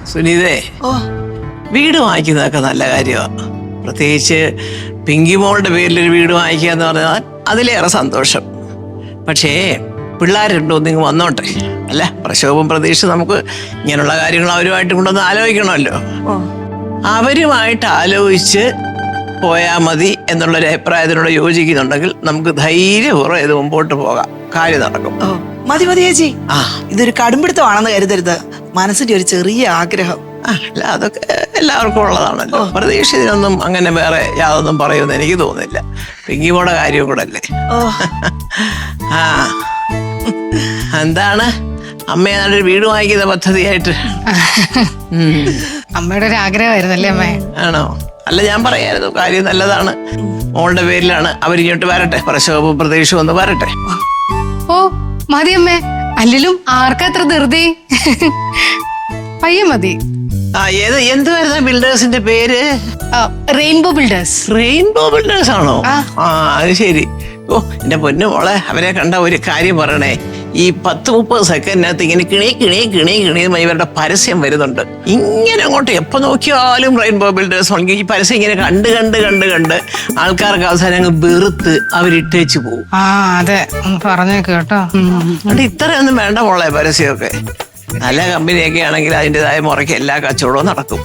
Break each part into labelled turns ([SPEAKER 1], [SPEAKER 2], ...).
[SPEAKER 1] സുനീതേ, വീട് വാങ്ങിക്കുന്നതൊക്കെ നല്ല കാര്യമാണ്. പ്രത്യേകിച്ച് പിങ്കിമോളുടെ പേരിലൊരു വീട് വാങ്ങിക്കുക എന്ന് പറഞ്ഞാൽ അതിലേറെ സന്തോഷം. പക്ഷേ പിള്ളേരുണ്ടോ നിങ്ങൾ വന്നോട്ടെ. അല്ല, പ്രക്ഷോഭം പ്രതീക്ഷ നമുക്ക് ഇങ്ങനെയുള്ള കാര്യങ്ങൾ അവരുമായിട്ട് കൊണ്ടൊന്ന് ആലോചിക്കണമല്ലോ. അവരുമായിട്ട് ആലോചിച്ച് പോയാൽ മതി എന്നുള്ളൊരു അഭിപ്രായത്തിനോട് യോജിക്കുന്നുണ്ടെങ്കിൽ നമുക്ക് ധൈര്യപൂർവ്വം ഇത് മുമ്പോട്ട് പോകാം, കാര്യം നടക്കും.
[SPEAKER 2] മതി മതി ചേച്ചി, ഇതൊരു കടുംപിടുത്തമാണെന്ന് കരുതരുത്. മനസ്സിന്റെ ഒരു ചെറിയ ആഗ്രഹം.
[SPEAKER 1] അല്ല, അതൊക്കെ എല്ലാവർക്കും ഉള്ളതാണല്ലോ. പ്രതീക്ഷിതൊന്നും അങ്ങനെ വേറെ യാതൊന്നും പറയുമെന്ന് എനിക്ക് തോന്നുന്നില്ല. പിങ്കിമോടെ കാര്യം കൂടെ അല്ലേ. ആ, എന്താണ് അമ്മയെ നല്ലൊരു വീട് വാങ്ങിക്കുന്ന പദ്ധതിയായിട്ട്?
[SPEAKER 3] അമ്മയുടെ ഒരു ആഗ്രഹമായിരുന്നല്ലേ അമ്മേ?
[SPEAKER 1] ആണോ? അല്ല, ഞാൻ പറയായിരുന്നു, കാര്യം നല്ലതാണ്. മോളുടെ പേരിലാണ്. അവരിങ്ങോട്ട് വരട്ടെ, പ്രക്ഷോഭവും പ്രതീക്ഷയും ഒന്ന് വരട്ടെ.
[SPEAKER 3] ഓ മതി അമ്മേ, അല്ലെങ്കിലും ആർക്കത്ര ധൃതി? പയ്യെ മതി.
[SPEAKER 1] എന്തുവായിരുന്നു ബിൽഡേഴ്സിന്റെ പേര്?
[SPEAKER 3] Rainbow builders.
[SPEAKER 1] റെയിൻബോ ബിൽഡേഴ്സ് ആണോ? അത് ശരി. ഓ, എന്റെ പൊന്നു മോളെ, അവരെ കണ്ട ഒരു കാര്യം പറയണേ. ഈ 10-30 സെക്കൻഡിനകത്ത് ഇങ്ങനെ കിണി കിണി കിണി കിണിയുമായി ഇവരുടെ പരസ്യം വരുന്നുണ്ട്. ഇങ്ങനെ അങ്ങോട്ട് എപ്പോ നോക്കിയാലും റെയിൻബോ ബിൽഡേഴ്സ് ആണെങ്കിൽ ഈ പരസ്യം ഇങ്ങനെ കണ്ട് കണ്ട് കണ്ട് കണ്ട് ആൾക്കാർക്ക് അവസാനം അങ്ങ് വെറുത്ത് അവരിട്ടേച്ച് പോകും.
[SPEAKER 3] അതെ, പറഞ്ഞു കേട്ടോ.
[SPEAKER 1] അതുകൊണ്ട് ഇത്രയൊന്നും വേണ്ട മോളെ പരസ്യമൊക്കെ. നല്ല കമ്പനിയൊക്കെ ആണെങ്കിൽ അതിൻ്റെതായ മുറയ്ക്ക് എല്ലാ കച്ചവടവും നടക്കും.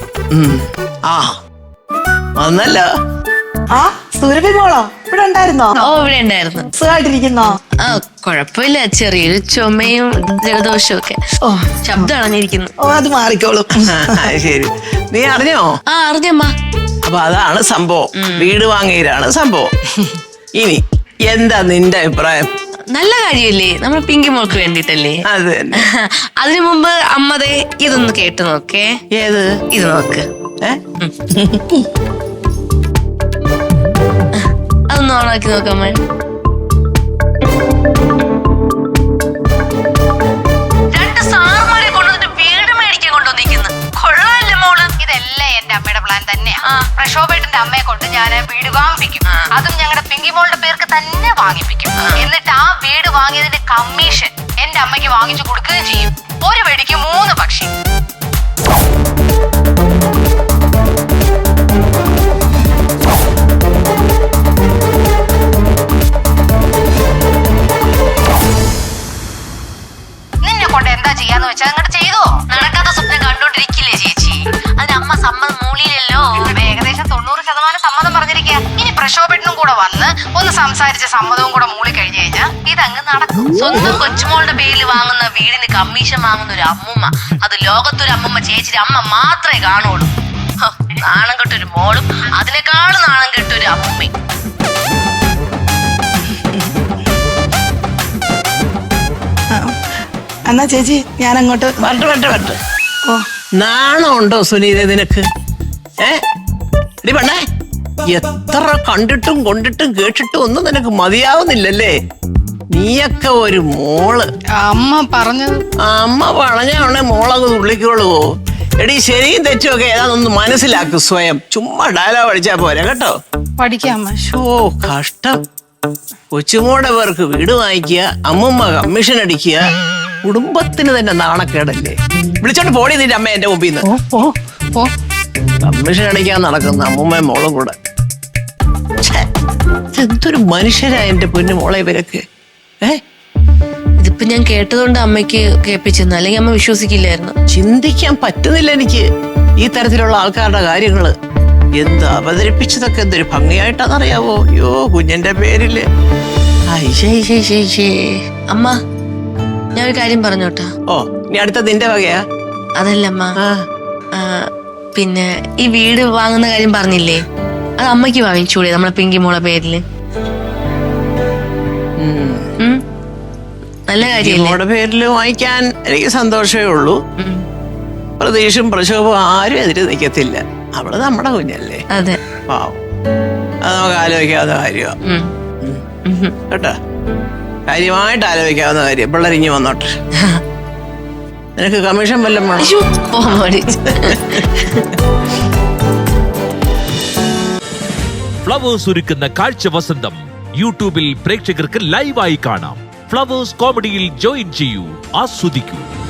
[SPEAKER 1] വന്നല്ലോ.
[SPEAKER 2] സുരഭി മോളോ ഇവിടെ ഉണ്ടായിരുന്നോ?
[SPEAKER 4] ഓ, ഇവിടെ ഉണ്ടായിരുന്നു.
[SPEAKER 2] സുഖമായിട്ടിരിക്കുന്നോ?
[SPEAKER 4] കുഴപ്പമില്ല, ചെറിയൊരു ചുമയും ജലദോഷവും ഒക്കെ. ശബ്ദം അണഞ്ഞിരിക്കുന്നു.
[SPEAKER 2] അത് മാറിക്കോളും.
[SPEAKER 1] ശരി, നീ അറിഞ്ഞോ?
[SPEAKER 4] അറിഞ്ഞമ്മ.
[SPEAKER 1] അപ്പൊ അതാണ് സംഭവം. വീട് വാങ്ങിയതാണ് സംഭവം. ഇനി എന്താ നിന്റെ അഭിപ്രായം?
[SPEAKER 4] നല്ല കാര്യല്ലേ, നമ്മൾ പിങ്കി മോൾക്ക് വേണ്ടിട്ടല്ലേ.
[SPEAKER 1] അത് തന്നെ.
[SPEAKER 4] അതിനു മുമ്പ് അമ്മതേ ഇതൊന്ന് കേട്ട് നോക്കേ.
[SPEAKER 1] ഏത്?
[SPEAKER 4] ഇത് നോക്ക്. അതൊന്ന് ഓണാക്കി നോക്കാമ്മ. രണ്ട് സാറുമാരെ കൊണ്ടുവന്നിട്ട് വീട് മേടിക്കാൻ കൊണ്ടുവന്നിരിക്കുന്നു. കൊള്ളാല്ലേ മോള്?
[SPEAKER 5] ഇതെല്ലാം എന്റെ അമ്മയുടെ പ്ലാൻ തന്നെയാ. പ്രക്ഷോഭേട്ടന്റെ അമ്മയെ കൊണ്ട് ഞാൻ വീട് വാങ്ങിപ്പിക്കും. അതും ഞങ്ങളുടെ പിങ്കിമോളുടെ പേർക്ക് തന്നെ വാങ്ങിപ്പിക്കും. എന്നിട്ട് ആ വീട് വാങ്ങിയതിന്റെ കമ്മീഷൻ എന്റെ അമ്മയ്ക്ക് വാങ്ങിച്ചു കൊടുക്കുകയും ചെയ്യും. ഒരു വെടിക്ക് 3 പക്ഷി. നിന്നെ കൊണ്ട് എന്താ ചെയ്യാന്ന് വെച്ചാൽ അങ്ങോട്ട് ചെയ്തോ. നടക്കാത്ത സ്വപ്നം കണ്ടോണ്ടിരിക്കില്ലേ ചേച്ചി? അതിന് അമ്മ സമ്മതം മൂളിയില്ലല്ലോ. ഏകദേശം 90% സമ്മതം പറഞ്ഞിരിക്കുക. ഇനി പ്രക്ഷോഭനും കൂടെ വന്ന് ഒന്ന് സംസാരിച്ച സമ്മതവും കൂടെ മൂളി കഴിഞ്ഞു കഴിഞ്ഞാൽ ഇതങ്ങ് നടക്കും.
[SPEAKER 4] സ്വന്തം കൊച്ചുമോളുടെ പേരിൽ വാങ്ങുന്ന വീടിന് കമ്മീഷൻ വാങ്ങുന്ന ഒരു അമ്മുമ്മ, അത് ലോകത്തൊരു അമ്മുമ്മ ചേച്ചിയുടെ അമ്മ മാത്രമേ കാണുള്ളൂ. നാണം കെട്ടൊരു മോളും അതിനേക്കാളും നാണം കെട്ടൊരു അമ്മുമ്മയും.
[SPEAKER 2] എന്നാ ചേച്ചി ഞാൻ അങ്ങോട്ട്
[SPEAKER 1] വരട്ടെ. നാണമുണ്ടോ സുനീത നിനക്ക്? പെണ്ണേ, എത്ര കണ്ടിട്ടും കൊണ്ടിട്ടും കേട്ടിട്ടും ഒന്നും നിനക്ക് മതിയാവുന്നില്ലല്ലേ? നീയൊക്കെ ഒരു മോള്.
[SPEAKER 3] അമ്മ പറഞ്ഞത്.
[SPEAKER 1] അമ്മ പറഞ്ഞാണെ മോളങ്ങ് തുള്ളിക്കോളുവോ? എടീ, ശരിയും തെറ്റുമൊക്കെ ഏതാണെന്ന് മനസ്സിലാക്കും സ്വയം. ചുമ്മാ ഡയലോഗ് അടിച്ചാ പോരെ കേട്ടോ.
[SPEAKER 3] പഠിക്കാം.
[SPEAKER 1] കഷ്ടം. കൊച്ചുമോടെ പേർക്ക് വീട് വാങ്ങിക്കുക, അമ്മമ്മ കമ്മീഷൻ അടിക്കുക. കുടുംബത്തിന് തന്നെ നാണക്കേടല്ലേ? വിളിച്ചോണ്ട് പോടി നിന്റെ അമ്മ എന്റെ മുമ്പിൽ നിന്ന്. കമ്മീഷൻ അടിക്കാൻ നടക്കുന്ന അമ്മൂമ്മയും മോളും കൂടെ. എന്തൊരു മനുഷ്യരാ എന്റെ പൊന്നു മോളെ ഇവരൊക്കെ.
[SPEAKER 4] ഇതിപ്പോ ഞാൻ കേട്ടതുകൊണ്ട് അമ്മയ്ക്ക് കേൾപ്പിച്ചെന്നു, അല്ലെങ്കിൽ അമ്മ വിശ്വസിക്കില്ലായിരുന്നു.
[SPEAKER 1] ചിന്തിക്കാൻ പറ്റുന്നില്ല എനിക്ക് ഈ തരത്തിലുള്ള ആൾക്കാരുടെ കാര്യങ്ങള്. എന്ത് അവതരിപ്പിച്ചതൊക്കെ എന്തൊരു ഭംഗിയായിട്ടാണെന്നറിയാവോ? അയ്യോ, കുഞ്ഞിന്റെ പേരില്.
[SPEAKER 4] അമ്മ, ഞാൻ ഒരു കാര്യം പറഞ്ഞോട്ടാ.
[SPEAKER 1] ഇനി അടുത്ത നിന്റെ വകയാ?
[SPEAKER 4] അതല്ല അമ്മ, പിന്നെ ഈ വീട് വാങ്ങുന്ന കാര്യം പറഞ്ഞില്ലേ, അത് അമ്മയ്ക്ക് വാങ്ങിച്ചൂടെ നമ്മളെ പിങ്കി മോളെ പേരില്? നല്ല കാര്യം.
[SPEAKER 1] മോളുടെ പേരില് വാങ്ങിക്കാൻ എനിക്ക് സന്തോഷമേ ഉള്ളൂ. പ്രതീക്ഷയും പ്രക്ഷോഭവും ആരും എതിര് നിൽക്കത്തില്ല. അവള് നമ്മുടെ കുഞ്ഞല്ലേ.
[SPEAKER 4] അതെ,
[SPEAKER 1] പാവം. അത് നമുക്ക് ആലോചിക്കാവുന്ന കാര്യമാണ് കേട്ടോ. കാര്യമായിട്ട് ആലോചിക്കാവുന്ന കാര്യം. പിള്ളേരിഞ്ഞ് വന്നോട്ടെ. നിനക്ക് കമ്മീഷൻ വല്ലതും വേണം?
[SPEAKER 6] ഫ്ലവേഴ്സ് ഒരുക്കുന്ന കാഴ്ച വസന്തം യൂട്യൂബിൽ പ്രേക്ഷകർക്ക് ലൈവായി കാണാം. ഫ്ലവേഴ്സ് കോമഡിയിൽ ജോയിൻ ചെയ്യൂ, ആസ്വദിക്കൂ.